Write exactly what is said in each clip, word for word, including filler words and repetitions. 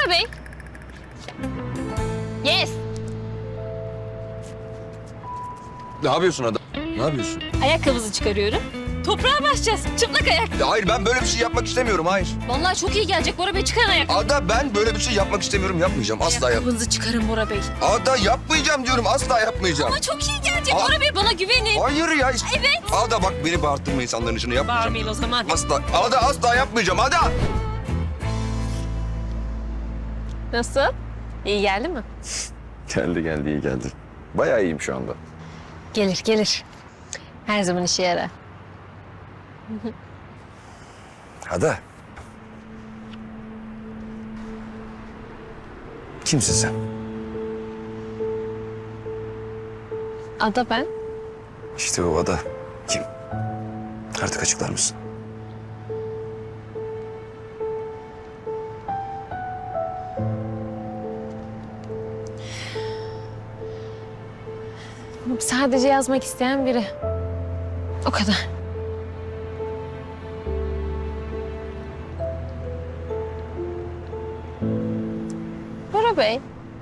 Bora Bey. Yes. Ne yapıyorsun adam? Ne yapıyorsun? Ayakkabınızı çıkarıyorum. Toprağa basacağız. Çıplak ayak. Ya hayır, ben böyle bir şey yapmak istemiyorum, hayır. Vallahi çok iyi gelecek Bora Bey. Çıkarın ayakkabı. Ada, ben böyle bir şey yapmak istemiyorum, yapmayacağım. Asla yap. Ayakkabınızı çıkarın Bora Bey. Ada, yapmayacağım diyorum, asla yapmayacağım. Ama çok iyi gelecek Aa. Bora Bey. Bana güvenin. Hayır ya. Evet. Ada bak, beni bağırttırma insanların içine, yapmayacağım. Bağırmayın o zaman. Asla, Ada asla yapmayacağım, Ada. Nasıl? İyi geldi mi? Geldi geldi, iyi geldi. Bayağı iyiyim şu anda. Gelir gelir. Her zaman işe yarar. Ada. Kimsin sen? Ada ben. İşte o Ada. Kim? Artık açıklar mısın? Sadece yazmak isteyen biri. O kadar. Bora Bey.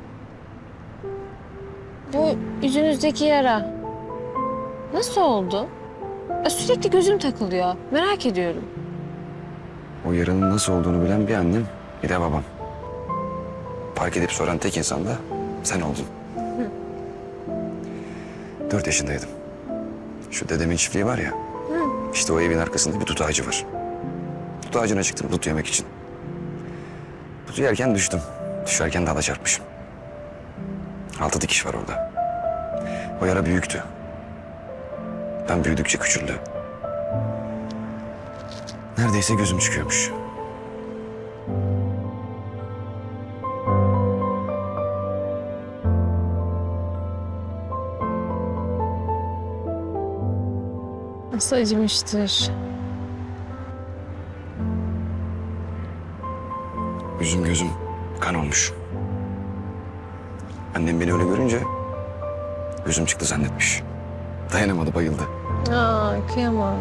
Bu yüzünüzdeki yara nasıl oldu? Ya sürekli gözüm takılıyor. Merak ediyorum. O yaranın nasıl olduğunu bilen bir annem, bir de babam. Fark edip soran tek insan da sen oldun. Dört yaşındaydım. Şu dedemin çiftliği var ya. İşte o evin arkasında bir tut ağacı var. Tut ağacına çıktım tut yemek için. Tutu yerken düştüm. Düşerken dala çarpmışım. Altı dikiş var orada. O yara büyüktü. Ben büyüdükçe küçüldü. Neredeyse gözüm çıkıyormuş. Nasıl acımıştır. Yüzüm gözüm kan olmuş. Annem beni öyle görünce gözüm çıktı zannetmiş. Dayanamadı, bayıldı. Aa, kıyamam.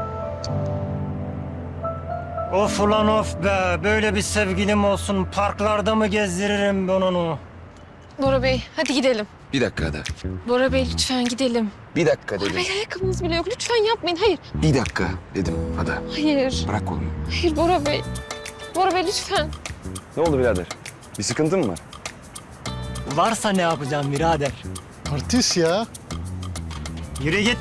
Of ulan of be. Böyle bir sevgilim olsun. Parklarda mı gezdiririm ben onu? Bora Bey, hadi gidelim. Bir dakika Ada. Bora Bey, lütfen gidelim. Bir dakika Bora dedim. Bey, ayakkabınız bile yok. Lütfen yapmayın. Hayır, Bir dakika dedim Ada. hayır. Bırak kolumu. Hayır Bora Bey. Bora Bey, lütfen. Ne oldu birader? Bir sıkıntın mı var? Varsa ne yapacağım birader? Artist ya. Yürü git.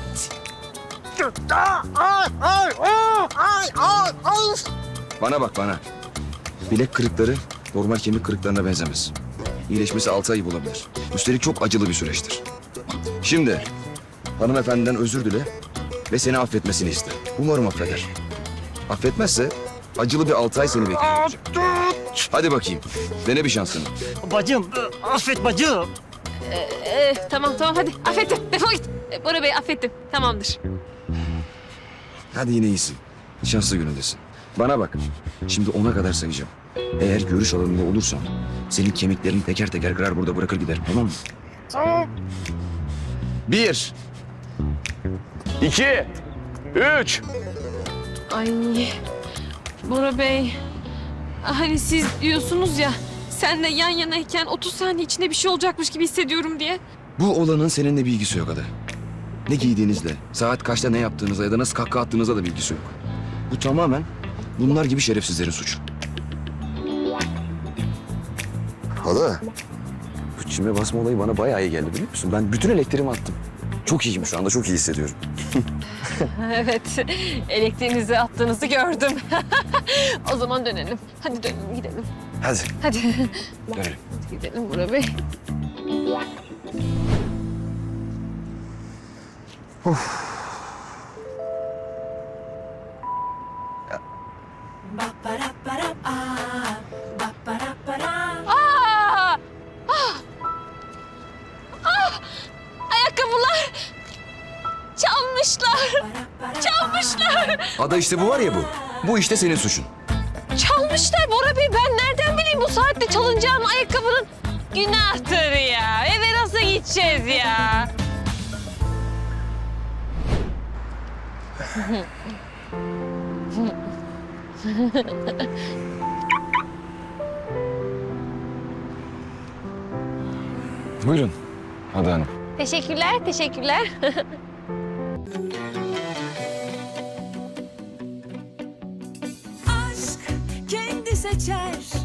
Bana bak bana. Bilek kırıkları normal kemik kırıklarına benzemez. İyileşmesi altı ay bulabilir. Üstelik çok acılı bir süreçtir. Şimdi hanımefendiden özür dile ve seni affetmesini iste. Umarım affeder. Affetmezse acılı bir altı ay seni bekliyor olacak. Hadi bakayım. Dene bir şansını. Bacım, affet bacım. Ee, tamam, tamam. Hadi. Affettim. Defol git. Ee, Bora Bey, affettim. Tamamdır. Hadi yine iyisin. Şanslı günündesin. Bana bak. Şimdi ona kadar sayacağım. Eğer görüş alanında olursan senin kemiklerini teker teker kırar burada bırakır gider. Tamam mı? Tamam. Bir. İki. Üç. Ay. Bora Bey. Hani siz diyorsunuz ya, senle yan yanayken otuz saniye içinde bir şey olacakmış gibi hissediyorum diye. Bu olanın seninle bir ilgisi yok Ada. Ne giydiğinizle, saat kaçta ne yaptığınızla ya da nasıl kahkaha attığınızla da bilgisi yok. Bu tamamen bunlar gibi şerefsizlerin suçu. Ada, bu çime basma olayı bana bayağı iyi geldi biliyor musun? Ben bütün elektriğimi attım. Çok iyiyim şu anda, çok iyi hissediyorum. Evet, elektriğinizi attığınızı gördüm. O zaman dönelim. Hadi dönelim, gidelim. Hadi, Hadi. dönelim. Gidelim Bora Bey. Aa! Ah! Ah! Ayakkabılar! Çalmışlar! Çalmışlar! Ada işte bu var ya bu. Bu işte senin suçun. Çalmışlar Bora Bey. Ben nereden bileyim bu saatte çalınacağını ayakkabının? Günahtır ya. Eve nasıl gideceğiz ya? Buyurun Ada Hanım. Teşekkürler, teşekkürler. aşk kendi seçer